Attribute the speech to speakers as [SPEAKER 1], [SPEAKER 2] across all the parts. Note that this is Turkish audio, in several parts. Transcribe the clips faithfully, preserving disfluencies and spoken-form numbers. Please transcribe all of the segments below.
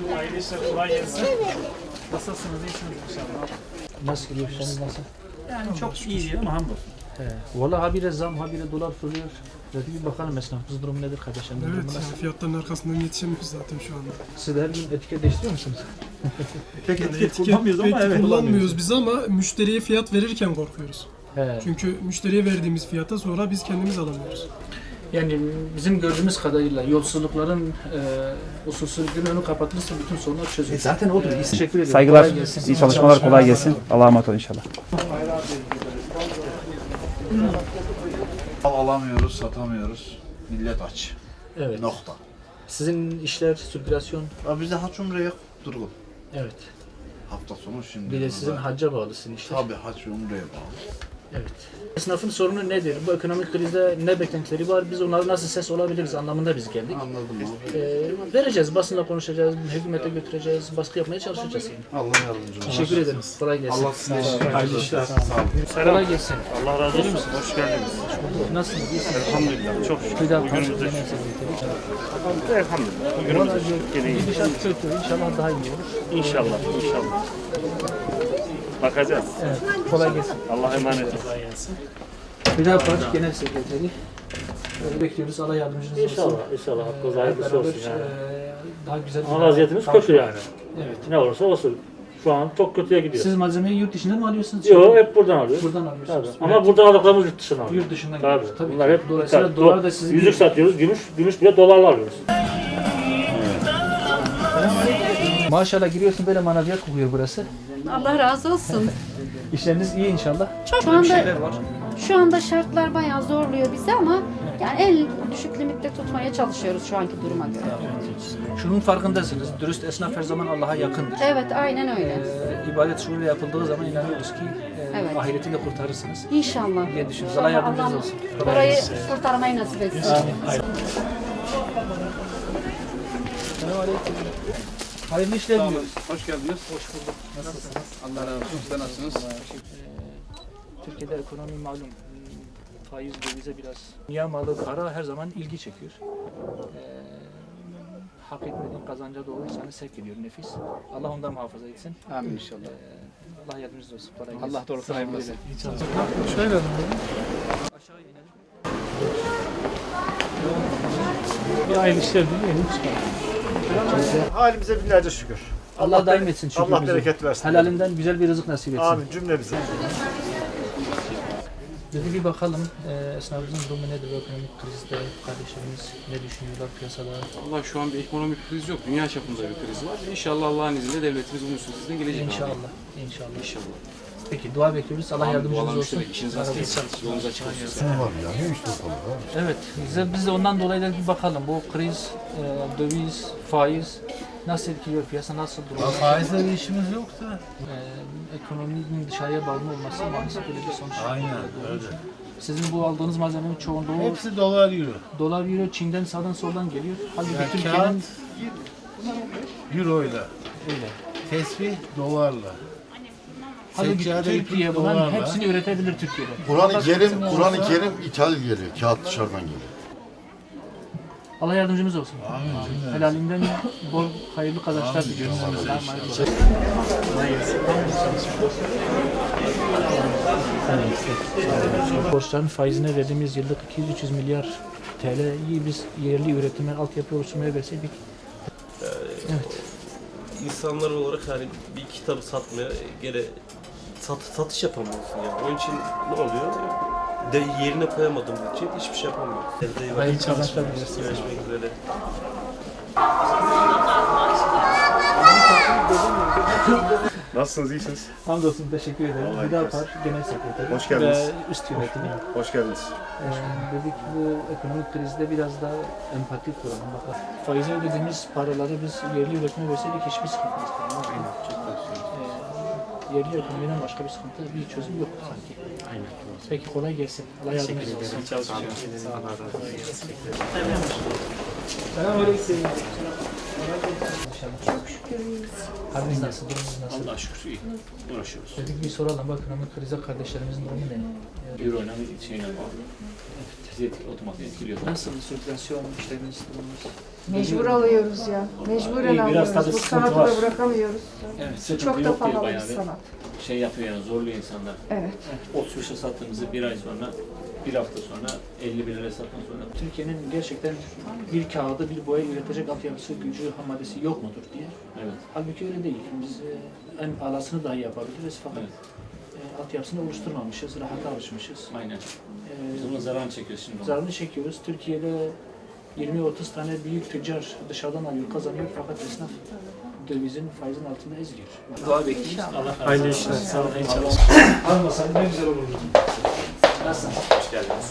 [SPEAKER 1] Hayırlı işler, kolay gelsin. Nasılsınız, iyisiniz inşallah.
[SPEAKER 2] Nasıl gidiyor işleriniz nasıl?
[SPEAKER 1] Yani çok iyi değil ama hamdolsun.
[SPEAKER 2] He. Valla habire zam, habire dolar fırlıyor. Dedik bir bakalım esnafımız durumu nedir kardeşlerim?
[SPEAKER 3] Evet,
[SPEAKER 2] durumu
[SPEAKER 3] ya,
[SPEAKER 2] nasıl?
[SPEAKER 3] fiyatların arkasından yetişemiyoruz zaten şu anda.
[SPEAKER 2] Siz de her gün etiket değiştiriyor musunuz?
[SPEAKER 1] Pek
[SPEAKER 3] Yani
[SPEAKER 1] etiket
[SPEAKER 3] etiket
[SPEAKER 1] kullanmıyoruz ama
[SPEAKER 3] pek
[SPEAKER 1] evet.
[SPEAKER 3] kullanmıyoruz biz ama müşteriye fiyat verirken korkuyoruz.
[SPEAKER 2] He.
[SPEAKER 3] Çünkü müşteriye verdiğimiz fiyata sonra biz kendimiz alamıyoruz.
[SPEAKER 2] Yani bizim gördüğümüz kadarıyla yolsuzlukların e, usulsüzlüğün önü kapatılırsa bütün sorunlar çözülür.
[SPEAKER 4] Zaten odur.
[SPEAKER 2] Teşekkür ederim.
[SPEAKER 4] Saygılar,
[SPEAKER 2] Kolay gelsin.
[SPEAKER 4] iyi çalışmalar, kolay gelsin. Allah'a emanet olun inşallah.
[SPEAKER 5] Mal alamıyoruz, satamıyoruz. Millet aç.
[SPEAKER 2] Evet.
[SPEAKER 5] Nokta.
[SPEAKER 2] Sizin işler, sirkülasyon.
[SPEAKER 5] Ya bizde haç umre yok, durgun.
[SPEAKER 2] Evet.
[SPEAKER 5] Hafta sonu şimdi.
[SPEAKER 2] Bir de sizin
[SPEAKER 5] burada-
[SPEAKER 2] hacca bağlı sizin işler.
[SPEAKER 5] Tabii haç umreye bağlı.
[SPEAKER 2] Evet. Esnafın sorunu nedir? Bu ekonomik krizde ne beklentileri var? Biz onlara nasıl ses olabiliriz anlamında biz geldik.
[SPEAKER 5] Anladım abi.
[SPEAKER 2] Ee, vereceğiz, basınla konuşacağız, hükümete götüreceğiz, baskı yapmaya çalışacağız. Yani.
[SPEAKER 5] Allah yardımcı olsun.
[SPEAKER 2] Teşekkür ederim. Kolay gelsin.
[SPEAKER 5] Allah size hayırlı işler. Sağ olun.
[SPEAKER 2] Kolay gelsin.
[SPEAKER 1] Allah razı olsun. Hoş geldiniz.
[SPEAKER 2] Nasılsınız? İyisiniz?
[SPEAKER 1] Elhamdülillah. Çok şükür.
[SPEAKER 2] Hüda
[SPEAKER 1] Bugünümüzde
[SPEAKER 2] Genel
[SPEAKER 1] şükür.
[SPEAKER 2] Sekreteri.
[SPEAKER 1] Elhamdülillah.
[SPEAKER 2] Valla
[SPEAKER 1] Bugünümüzde şükür. Gene iyi.
[SPEAKER 2] gidişat kötü. İnşallah daha iyi olur.
[SPEAKER 1] İnşallah. İnşallah. Bakacağız.
[SPEAKER 2] Evet. Kolay gelsin.
[SPEAKER 1] Allah'a emanet olun. Kolay gelsin.
[SPEAKER 2] Hüda Parti Genel Sekreteri. Ee, Bekliyoruz. Allah yardımcınız olsun.
[SPEAKER 6] İnşallah, inşallah. Hakkınız
[SPEAKER 2] Hep
[SPEAKER 6] hayırlısı
[SPEAKER 2] beraber
[SPEAKER 6] olsun yani.
[SPEAKER 2] e, daha güzel
[SPEAKER 6] Ama vaziyetimiz kötü yani.
[SPEAKER 2] Evet.
[SPEAKER 6] Ne olursa olsun. Şu an çok kötüye gidiyor.
[SPEAKER 2] Siz malzemeyi yurt dışından mı alıyorsunuz?
[SPEAKER 6] Yok, hep buradan alıyoruz.
[SPEAKER 2] Buradan
[SPEAKER 6] Tabii.
[SPEAKER 2] alıyorsunuz.
[SPEAKER 6] Ama buradan aldıklarımız yurt dışından alıyoruz.
[SPEAKER 2] Yurt dışından
[SPEAKER 6] Tabii.
[SPEAKER 2] geliyor. Tabii.
[SPEAKER 6] Bunlar hep
[SPEAKER 2] Dolayısıyla
[SPEAKER 6] tabii,
[SPEAKER 2] dolar
[SPEAKER 6] do-
[SPEAKER 2] da sizin
[SPEAKER 6] yüzük satıyoruz, gümüş, gümüş bile dolarla alıyoruz.
[SPEAKER 2] Maşallah giriyorsun böyle manaviyat kokuyor burası.
[SPEAKER 7] Allah razı olsun.
[SPEAKER 2] İşleriniz iyi inşallah.
[SPEAKER 7] Şu anda şu anda şartlar bayağı zorluyor bizi ama yani en düşük limitte tutmaya çalışıyoruz şu anki duruma göre.
[SPEAKER 2] Şunun farkındasınız. Dürüst esnaf her zaman Allah'a yakındır.
[SPEAKER 7] Evet, aynen öyle.
[SPEAKER 2] Ee, ibadet şuuruyla yapıldığı zaman inanıyoruz ki e,
[SPEAKER 7] Evet.
[SPEAKER 2] ahireti de kurtarırsınız
[SPEAKER 7] İnşallah.
[SPEAKER 2] diye düşünüyoruz. Allah yardımcınız olsun. Kolay
[SPEAKER 7] Orayı
[SPEAKER 2] gelsin.
[SPEAKER 7] kurtarmayı nasip etsin.
[SPEAKER 2] Selamünaleyküm. Hayırlı işler diliyoruz.
[SPEAKER 5] Hoş geldiniz. Hoş bulduk.
[SPEAKER 2] Nasılsınız?
[SPEAKER 5] Allah razı olsun. Siz de nasılsınız?
[SPEAKER 2] Ee, Türkiye'de ekonomi malum hmm, faiz dövize biraz dünya malı para her zaman ilgi çekiyor. Ee, hak etmediğin kazanca doğru insanı sevk ediyor nefis. Allah ondan muhafaza etsin.
[SPEAKER 5] Amin inşallah.
[SPEAKER 2] Ee, Allah yardımcınız olsun. Kolay gelsin.
[SPEAKER 5] Allah doğrusunu hayırlı olsun.
[SPEAKER 2] Şöyle aşağı inelim.
[SPEAKER 1] Bir hayırlı işler dileyelim.
[SPEAKER 8] Halimize binlerce şükür.
[SPEAKER 2] Allah daim etsin şükrümüzü.
[SPEAKER 8] Allah bereket versin.
[SPEAKER 2] Helalinden güzel bir rızık nasip etsin.
[SPEAKER 8] Amin cümlemize.
[SPEAKER 2] Dedi bir bakalım e, esnafımızın durumu nedir bu ekonomik krizde, kardeşlerimiz ne düşünüyorlar piyasada?
[SPEAKER 9] Allah şu an bir ekonomik kriz yok. Dünya çapında bir kriz var. İnşallah Allah'ın izniyle devletimiz bunun üstesinden gelecek.
[SPEAKER 2] İnşallah, inşallah.
[SPEAKER 9] İnşallah.
[SPEAKER 2] Peki dua bekliyoruz. Allah yardımcınız olsun.
[SPEAKER 9] Dualarını İşiniz rast gelsin. Yolunuz açık olsun.
[SPEAKER 2] Evet, bize, biz de ondan dolayı da bir bakalım. Bu kriz, e, döviz, faiz nasıl etkiliyor piyasa, nasıl duruyor?
[SPEAKER 10] Faizle bir işimiz yok da.
[SPEAKER 2] E, ekonominin dışarıya bağımlı olması maalesef böyle bir sonuç.
[SPEAKER 10] Aynen öyle.
[SPEAKER 2] Sizin bu aldığınız malzemenin çoğunluğu
[SPEAKER 10] Hepsi dolar euro.
[SPEAKER 2] dolar, euro, Çin'den sağdan soldan geliyor. Halbuki
[SPEAKER 10] Yani
[SPEAKER 2] Türkiye'nin
[SPEAKER 10] kağıt euro ile.
[SPEAKER 2] öyle.
[SPEAKER 10] Tesbih dolarla.
[SPEAKER 2] Halbuki
[SPEAKER 10] Seccade
[SPEAKER 2] Türkiye
[SPEAKER 10] iplik
[SPEAKER 2] bunların
[SPEAKER 10] dolarla.
[SPEAKER 2] hepsini üretebilir Türkiye'de.
[SPEAKER 11] Kur'an-ı
[SPEAKER 2] Başka
[SPEAKER 11] Kerim,
[SPEAKER 2] kısmı
[SPEAKER 11] Kur'an-ı
[SPEAKER 2] olsa-
[SPEAKER 11] Kerim ithal geliyor. Kağıt dışarıdan geliyor.
[SPEAKER 2] Allah yardımcımız olsun.
[SPEAKER 10] Amin.
[SPEAKER 2] Helalinden bol hayırlı kazançlar diliyoruz. Allah'a emanet olun. Borçların faizine verdiğimiz yıllık iki yüz üç yüz milyar T L'yi biz yerli üretime, altyapı oluşturmaya verseydik. Evet.
[SPEAKER 12] İnsanlar olarak hani bir kitabı satmaya gene sat, satış yapamıyorsun yani. Onun için ne oluyor? De yerine koyamadığım için hiçbir şey yapamıyorum.
[SPEAKER 2] Hayırlı kazançlar diliyoruz.
[SPEAKER 12] Görüşmek üzere.
[SPEAKER 8] Nasılsınız, iyisiniz?
[SPEAKER 2] Hamdolsun, teşekkür ederim. Hüdapar Genel Sekreteri
[SPEAKER 8] Hoş geldiniz.
[SPEAKER 2] ve üst yönetimi.
[SPEAKER 8] Hoş geldiniz.
[SPEAKER 2] Ee, dedik bu ekonomik krizde biraz daha empati kuralım. Bakalım. Faize ödediğimiz paraları biz yerli üretime verseydik hiçbir sıkıntımız kalmaz. Ee, yerli ekonomiden başka bir sıkıntı, bir çözüm yok sanki. Aynen. Peki kolay gelsin. Allah yardımcınız olsun. Selamünaleyküm. Çok şükür iyiyiz. Haliniz nasıl? Durumunuz nasıl?
[SPEAKER 1] Allah şükür iyi. Uğraşıyoruz.
[SPEAKER 2] Dedik bir soralım. Bak ekonomik krize kardeşlerimizin durumu ne?
[SPEAKER 1] Euro ile şeyle bağlı.
[SPEAKER 2] Evet. sizi otomatik etkiliyor. Nasıl sirkülasyon işleriniz, durumunuz?
[SPEAKER 13] Mecbur alıyoruz ya. Mecburen
[SPEAKER 2] İyi, biraz
[SPEAKER 13] alıyoruz.
[SPEAKER 2] tabii
[SPEAKER 13] Bu
[SPEAKER 2] sıkıntı
[SPEAKER 13] sanatı
[SPEAKER 2] var.
[SPEAKER 13] da bırakamıyoruz.
[SPEAKER 2] Evet, sıkıntı
[SPEAKER 13] Çok da
[SPEAKER 2] yok diyor
[SPEAKER 13] pahalı bir
[SPEAKER 2] bayağı bir.
[SPEAKER 13] sanat.
[SPEAKER 2] Şey yapıyor yani, zorluyor insanlar.
[SPEAKER 13] Evet.
[SPEAKER 2] otuz beşe sattığımızı bir ay sonra, bir hafta sonra, elli bir liraya sattıktan sonra. Türkiye'nin gerçekten bir kağıdı, bir boya üretecek altyapısı, gücü, ham maddesi yok mudur diye. Evet. Halbuki öyle değil. Biz e, en alasını dahi yapabiliriz fakat evet. e, altyapısını oluşturmamışız, rahata alışmışız. Aynen. E, Biz bunun zararını çekiyoruz şimdi. Zararını çekiyoruz. Türkiye'de yirmi otuz tane büyük tüccar dışarıdan alıyor, kazanıyor fakat esnaf dövizin, faizin altında eziliyor. Dua bekliyoruz. Allah
[SPEAKER 1] Hayırlı işler. Sağ olun.
[SPEAKER 2] inşallah. Almasan ne güzel olurdu. Nasılsınız? Hoş geldiniz.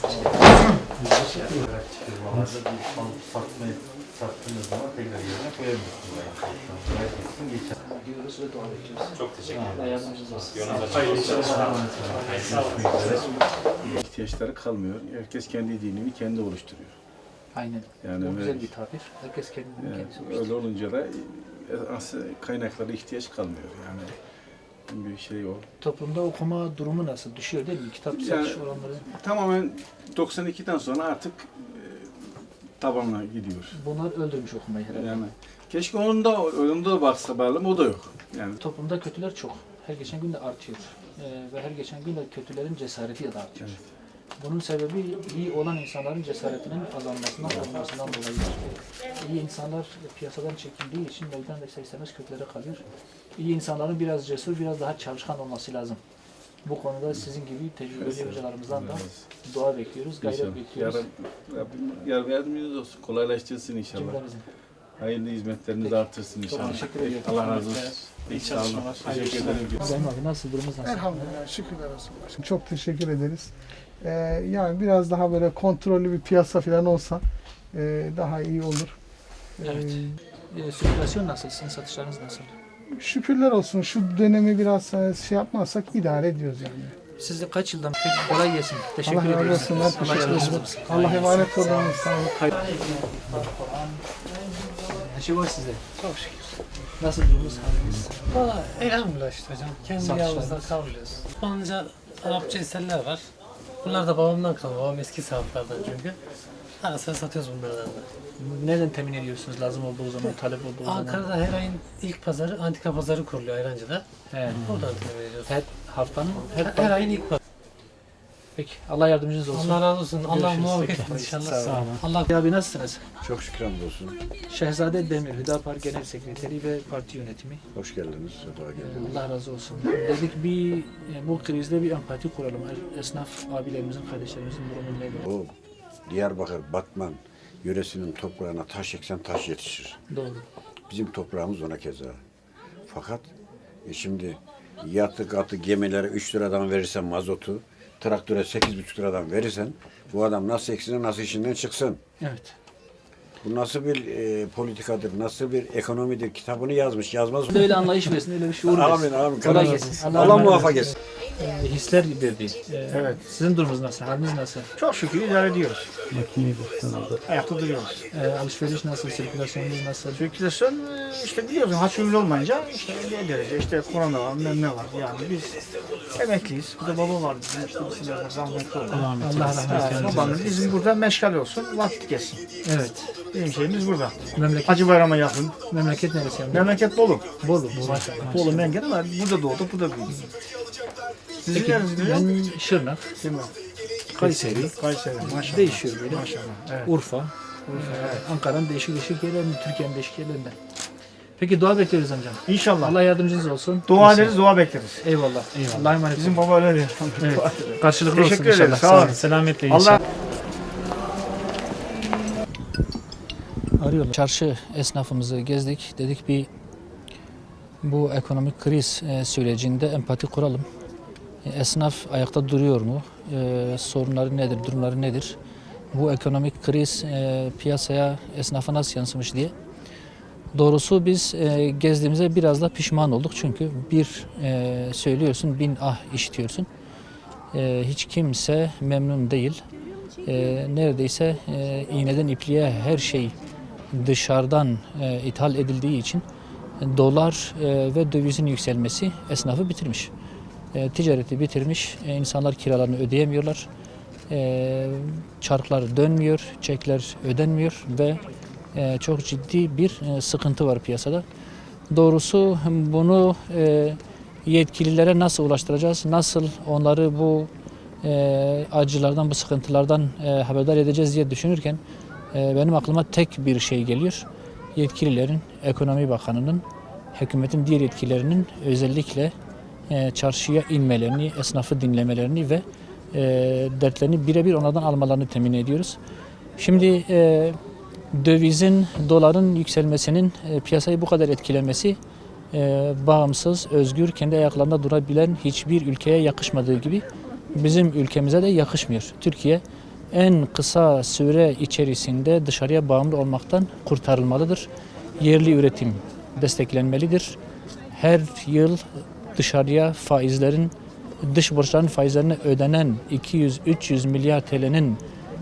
[SPEAKER 2] Hoş geldiniz.
[SPEAKER 10] Firmalarda bir alıp satmayı sattığınız zaman tekrar yerine koyamıyorsunuz. Herkesin geçer.
[SPEAKER 2] Diyoruz ve dua bekliyoruz.
[SPEAKER 6] Çok teşekkür ederim.
[SPEAKER 2] Allah yardımcınız olsun.
[SPEAKER 6] Hayırlı işler.
[SPEAKER 2] Sağ olun.
[SPEAKER 8] İhtiyaçları kalmıyor. Herkes kendi dinini kendi oluşturuyor.
[SPEAKER 2] Aynen.
[SPEAKER 8] Yani
[SPEAKER 2] Bu güzel
[SPEAKER 8] öyle-
[SPEAKER 2] bir tabir. Herkes kendini
[SPEAKER 8] Yani
[SPEAKER 2] kendisi
[SPEAKER 8] öyle
[SPEAKER 2] oluşturuyor.
[SPEAKER 8] olunca da aslında kaynaklara ihtiyaç kalmıyor. Yani bir şey o.
[SPEAKER 2] Toplumda okuma durumu nasıl? Düşüyor değil mi? Kitap
[SPEAKER 8] Yani-
[SPEAKER 2] satış oranları.
[SPEAKER 8] Tamamen doksan ikiden sonra artık e, tabanına gidiyor.
[SPEAKER 2] Bunlar öldürmüş okumayı herhalde.
[SPEAKER 8] Yani keşke onun da onun da baksa bağlam o da yok. Yani
[SPEAKER 2] Toplumda kötüler çok. Her geçen gün de artıyor. Ee, ve her geçen gün de kötülerin cesareti de artıyor. Bunun sebebi iyi olan insanların cesaretinin azalmasından, olmasından dolayıdır. İyi insanlar piyasadan çekildiği için meydan da ister istemez kötülere kalıyor. İyi insanların biraz cesur, biraz daha çalışkan olması lazım. Bu konuda sizin gibi tecrübeli hocalarımızdan da dua bekliyoruz, gayret
[SPEAKER 8] İnşallah.
[SPEAKER 2] bekliyoruz.
[SPEAKER 8] Yarın Rabbim yar yardımcınız olsun. Kolaylaştırsın inşallah.
[SPEAKER 2] Cümlemizin.
[SPEAKER 8] Hayırlı hizmetlerinizi artırsın
[SPEAKER 2] Çok
[SPEAKER 8] inşallah.
[SPEAKER 2] teşekkür ediyorum.
[SPEAKER 8] Allah razı olsun.
[SPEAKER 2] İyi
[SPEAKER 8] Sağ olun.
[SPEAKER 2] çalışmalar.
[SPEAKER 8] Teşekkür ederim.
[SPEAKER 2] Sayın abi nasıl, durumunuz nasıl?
[SPEAKER 14] Elhamdülillah, şükürler olsun başkanım. Çok teşekkür ederiz. Ee, yani biraz daha böyle kontrollü bir piyasa falan olsa e, daha iyi olur. Ee,
[SPEAKER 2] Evet. E, sirkülasyon nasıl? Sizin satışlarınız nasıl?
[SPEAKER 14] Şükürler olsun. Şu dönemi biraz e, şey yapmazsak idare ediyoruz yani.
[SPEAKER 2] Siz de kaç yıldan peki kolay gelsin. Teşekkür
[SPEAKER 14] Allah razı
[SPEAKER 2] ediyoruz.
[SPEAKER 14] olsun. Ben teşekkür
[SPEAKER 2] Allah
[SPEAKER 14] ederim.
[SPEAKER 2] yardımcınız olsun.
[SPEAKER 14] Allah emanet olun. Sağ olun.
[SPEAKER 2] Her şey var sizde.
[SPEAKER 14] Çok şükür.
[SPEAKER 2] Nasıl durumunuz, haliniz?
[SPEAKER 14] Valla elhamdülillah işte hocam. Kendi
[SPEAKER 2] Satışlarınız.
[SPEAKER 14] yavuzdan kavruluyoruz. Osmanlıca, Arapça eserler var. Bunlar da babamdan kalma. Babam eski sahaflardan çünkü. Ara sıra satıyoruz bunlardan da.
[SPEAKER 2] Nereden temin ediyorsunuz lazım olduğu zaman, talep olduğu zaman?
[SPEAKER 14] Ankara'da her ayın ilk pazarı, antika pazarı kuruluyor Ayrancı'da.
[SPEAKER 2] He.
[SPEAKER 14] Oradan temin ediyoruz.
[SPEAKER 2] Her haftanın, her,
[SPEAKER 14] Her, her ayın ilk pazarı.
[SPEAKER 2] Peki, Allah yardımcınız olsun.
[SPEAKER 14] Allah razı olsun. Allah
[SPEAKER 2] Görüşürüz.
[SPEAKER 14] muvaffak
[SPEAKER 2] Peki.
[SPEAKER 14] etsin inşallah.
[SPEAKER 2] Sağ olun.
[SPEAKER 14] Allah
[SPEAKER 2] Abi nasılsınız?
[SPEAKER 11] Çok şükür hamdolsun.
[SPEAKER 2] Şehzade Demir, Hüdapar Genel Sekreteri ve Parti Yönetimi.
[SPEAKER 11] Hoş geldiniz. Sefa geldiniz.
[SPEAKER 2] Allah razı olsun. Dedik bir, e, bu krizde bir empati kuralım. Esnaf abilerimizin, kardeşlerimizin durumu nedir?
[SPEAKER 11] O Diyarbakır, Batman yöresinin toprağına taş eksen taş yetişir.
[SPEAKER 2] Doğru.
[SPEAKER 11] Bizim toprağımız ona keza. Fakat e şimdi yatı katı gemilere üç liradan verirsen mazotu, traktöre sekiz buçuk liradan verirsen bu adam nasıl eksine nasıl işinden çıksın?
[SPEAKER 2] Evet.
[SPEAKER 11] Bu nasıl bir e, politikadır, nasıl bir ekonomidir kitabını yazmış, yazmaz mı?
[SPEAKER 2] Öyle anlayış versin, öyle bir şuur versin.
[SPEAKER 11] Amin, amin.
[SPEAKER 2] Kolay gelsin.
[SPEAKER 11] Allah,
[SPEAKER 2] emanet
[SPEAKER 11] muvaffak
[SPEAKER 2] olsun.
[SPEAKER 11] etsin.
[SPEAKER 2] E, hisler dedi. E,
[SPEAKER 1] Evet.
[SPEAKER 2] Sizin durumunuz nasıl? Haliniz nasıl?
[SPEAKER 1] Çok şükür idare ediyoruz. Ayakta duruyoruz.
[SPEAKER 2] E, alışveriş nasıl? Sirkülasyonunuz nasıl?
[SPEAKER 1] Sirkülasyon e, işte biliyorsun haçümlü olmayınca işte ne derece işte korona var, bilmem ne var. Yani biz emekliyiz. Bir de baba var bizim işte biz biraz rahmetli oldu.
[SPEAKER 2] Allah rahmet eylesin.
[SPEAKER 1] Babamız bizim burada meşgal olsun, vakit geçsin.
[SPEAKER 2] Evet.
[SPEAKER 1] Bizim şeyimiz burada.
[SPEAKER 2] Memleket,
[SPEAKER 1] Hacı Bayram'a yakın.
[SPEAKER 2] memleket neresi? Yani?
[SPEAKER 1] Memleket Bolu.
[SPEAKER 2] Bolu. Maşallah.
[SPEAKER 1] Bolu Mengen ama burada doğduk, burada büyüdük. Sizin
[SPEAKER 2] Peki,
[SPEAKER 1] neresiniz?
[SPEAKER 2] ben Şırnak,
[SPEAKER 1] Değil mi?
[SPEAKER 2] Kayseri,
[SPEAKER 1] Kayseri. Maşallah.
[SPEAKER 2] değişiyor böyle.
[SPEAKER 1] Maşallah. Evet.
[SPEAKER 2] Urfa,
[SPEAKER 1] Evet.
[SPEAKER 2] Ankara'nın değişik değişik yerlerinden, Türkiye'nin değişik yerlerinden. Peki dua bekliyoruz amcam.
[SPEAKER 1] İnşallah.
[SPEAKER 2] Allah yardımcınız olsun.
[SPEAKER 1] Dua
[SPEAKER 2] İnşallah.
[SPEAKER 1] ederiz, dua bekleriz.
[SPEAKER 2] Eyvallah. Eyvallah. Allah'a emanet
[SPEAKER 1] Bizim
[SPEAKER 2] olun.
[SPEAKER 1] baba öyle diyor.
[SPEAKER 2] Evet. Karşılıklı olsun
[SPEAKER 1] Teşekkür
[SPEAKER 2] inşallah.
[SPEAKER 1] ederiz. Sağ olun.
[SPEAKER 2] Selametle
[SPEAKER 1] Allah
[SPEAKER 2] inşallah. Arıyorlar. Çarşı esnafımızı gezdik. Dedik bir bu ekonomik kriz e, sürecinde empati kuralım. E, Esnaf ayakta duruyor mu? E, sorunları nedir? Durumları nedir? Bu ekonomik kriz e, piyasaya, esnafa nasıl yansımış diye. Doğrusu biz e, gezdiğimize biraz da pişman olduk. Çünkü bir e, söylüyorsun, bin ah işitiyorsun. E, hiç kimse memnun değil. E, neredeyse e, iğneden ipliğe her şey dışarıdan e, ithal edildiği için dolar e, ve dövizin yükselmesi esnafı bitirmiş. E, ticareti bitirmiş. E, insanlar kiralarını ödeyemiyorlar. e, çarklar dönmüyor, çekler ödenmiyor ve e, çok ciddi bir e, sıkıntı var piyasada. Doğrusu bunu e, yetkililere nasıl ulaştıracağız, nasıl onları bu e, acılardan, bu sıkıntılardan e, haberdar edeceğiz diye düşünürken e, benim aklıma tek bir şey geliyor. Yetkililerin, Ekonomi Bakanı'nın, hükümetin diğer yetkililerinin özellikle e, çarşıya inmelerini, esnafı dinlemelerini ve e, dertlerini birebir onlardan almalarını temin ediyoruz. Şimdi e, dövizin, doların yükselmesinin e, piyasayı bu kadar etkilemesi e, bağımsız, özgür, kendi ayaklarında durabilen hiçbir ülkeye yakışmadığı gibi bizim ülkemize de yakışmıyor. Türkiye en kısa süre içerisinde dışarıya bağımlı olmaktan kurtarılmalıdır. Yerli üretim desteklenmelidir. Her yıl dışarıya faizlerin, dış borçların faizlerine ödenen iki yüz üç yüz milyar T L'nin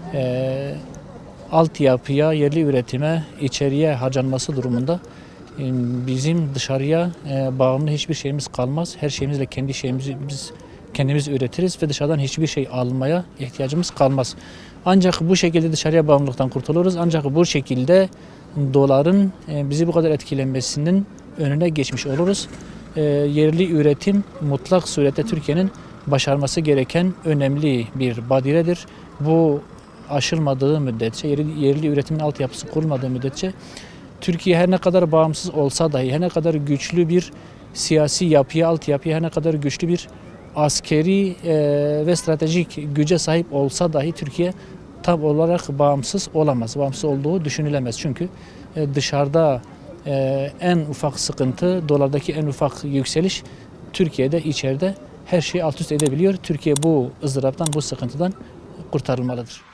[SPEAKER 2] e, altyapıya, yerli üretime, içeriye harcanması durumunda e, bizim dışarıya e, bağımlı hiçbir şeyimiz kalmaz. Her şeyimizle kendi şeyimizi biz kendimiz üretiriz ve dışarıdan hiçbir şey almaya ihtiyacımız kalmaz. Ancak bu şekilde dışarıya bağımlılıktan kurtuluruz. Ancak bu şekilde doların e, bizi bu kadar etkilenmesinin önüne geçmiş oluruz. E, yerli üretim mutlak surette Türkiye'nin başarması gereken önemli bir badiredir. Bu aşılmadığı müddetçe, yerli, yerli üretimin altyapısı kurulmadığı müddetçe Türkiye her ne kadar bağımsız olsa dahi, her ne kadar güçlü bir siyasi yapıya, altyapıya, her ne kadar güçlü bir askeri e, ve stratejik güce sahip olsa dahi Türkiye tam olarak bağımsız olamaz. Bağımsız olduğu düşünülemez. Çünkü e, dışarıda e, en ufak sıkıntı, dolardaki en ufak yükseliş Türkiye'de, içeride her şeyi alt üst edebiliyor. Türkiye bu ızdıraptan, bu sıkıntıdan kurtarılmalıdır.